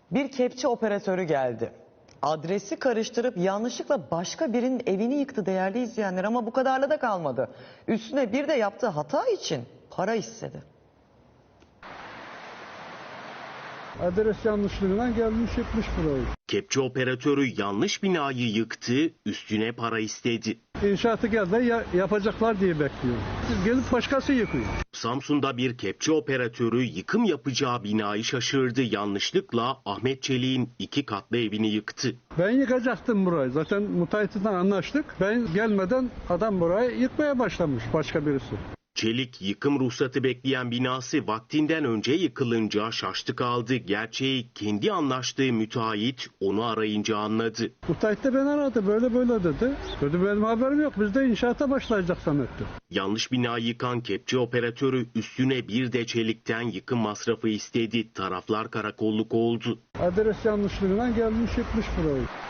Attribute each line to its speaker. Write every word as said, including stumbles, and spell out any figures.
Speaker 1: Bir kepçe operatörü geldi. Adresi karıştırıp yanlışlıkla başka birinin evini yıktı değerli izleyenler, ama bu kadarla da kalmadı. Üstüne bir de yaptığı hata için para istedi.
Speaker 2: Adres yanlışlığından gelmiş yıkmış burayı.
Speaker 3: Kepçe operatörü yanlış binayı yıktı, üstüne para istedi.
Speaker 2: İnşaatı geldi ya, yapacaklar diye bekliyor. Gelip başkası yıkıyor.
Speaker 3: Samsun'da bir kepçe operatörü yıkım yapacağı binayı şaşırdı. Yanlışlıkla Ahmet Çelik'in iki katlı evini yıktı.
Speaker 2: Ben yıkacaktım burayı. Zaten müteahhitten anlaştık. Ben gelmeden adam burayı yıkmaya başlamış başka birisi.
Speaker 3: Çelik yıkım ruhsatı bekleyen binası vaktinden önce yıkılınca şaştı kaldı. Gerçeği kendi anlaştığı müteahhit onu arayınca anladı.
Speaker 2: Müteahhit de beni aradı. Böyle böyle dedi. Dedi benim haberim yok. Biz de inşaata başlayacak zannetti.
Speaker 3: Yanlış binayı yıkan kepçe operatörü üstüne bir de Çelik'ten yıkım masrafı istedi. Taraflar karakolluk oldu.
Speaker 2: Adres yanlışlığından gelmiş yıkmış burayı.